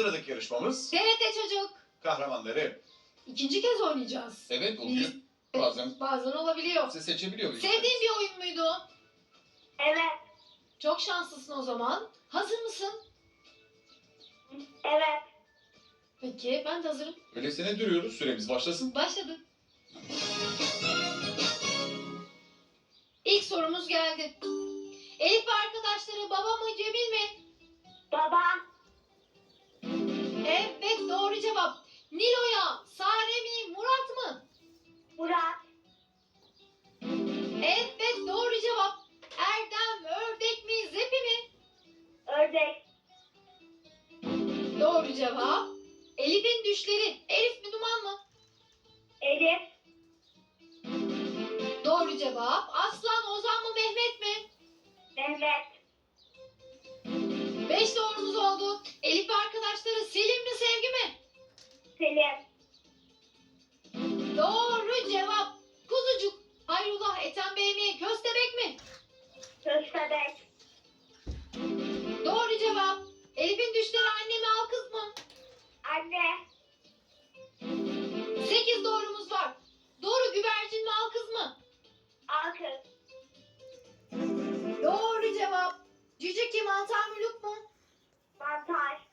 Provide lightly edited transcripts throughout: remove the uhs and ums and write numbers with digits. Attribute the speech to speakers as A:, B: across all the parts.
A: Sıradaki yarışmamız
B: TRT Çocuk.
A: kahramanları.
B: İkinci kez oynayacağız.
C: Evet oluyor. Bazen
B: Bazen olabiliyor.
C: size seçebiliyor muyuz?
B: Sevdiğin bir oyun muydu?
D: Evet.
B: Çok şanslısın o zaman. Hazır mısın?
D: Evet.
B: Peki ben de hazırım.
C: Öyleyse ne duruyoruz? Süremiz başlasın.
B: Başladı. İlk sorumuz geldi. Elif ve arkadaşları baba mı Cemil mi?
D: Baba.
B: Evet doğru cevap. Nilo'ya Sare mi Murat mı?
D: Murat.
B: Evet doğru cevap. Erdem ördek mi Zepi mi?
D: Ördek.
B: Doğru cevap. Elif'in düşleri Elif mi Duman mı?
D: Elif.
B: Doğru cevap. Aslan Ozan mı Mehmet mi?
D: Mehmet.
B: 5 doğrumuz oldu. Elif ve arkadaşları Selim mi Sevgi mi?
D: Selim.
B: Doğru cevap. Kuzucuk Hayrullah Ethem Bey mi Köstebek mi?
D: Köstebek.
B: Doğru cevap. Elif'in düşleri anne mi al kız mı?
D: Anne.
B: 8 doğrumuz var. Doğru güvercin mi al kız mı?
D: Alkız.
B: Doğru cevap. Cüce kim mantar mı Lup mu?
D: Mantar.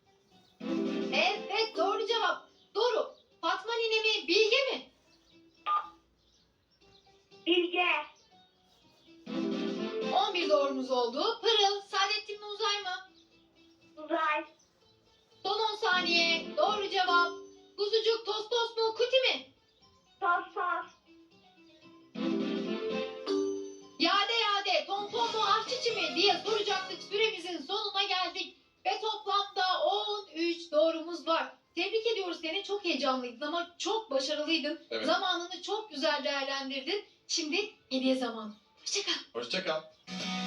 B: Evet doğru cevap. Doğru. Fatma nine mi Bilge mi?
D: Bilge.
B: 11 doğrumuz oldu. Pırıl Saadettin mi Uzay mı?
D: Uzay.
B: Son 10 saniye. Doğru cevap. Kuzucuk Tostos mu Kuti mi?
D: Sos sos.
B: Yade yade Tonton mu Ahçıçı mı diye soracaktık. Süremizin sonuna geldik. Ve toplamda 13 doğrumuz var. Tebrik ediyoruz seni. Çok heyecanlıydın ama çok başarılıydın.
C: Evet.
B: Zamanını çok güzel değerlendirdin. Şimdi hediye zamanı. Hoşça kal.
C: Hoşça kal.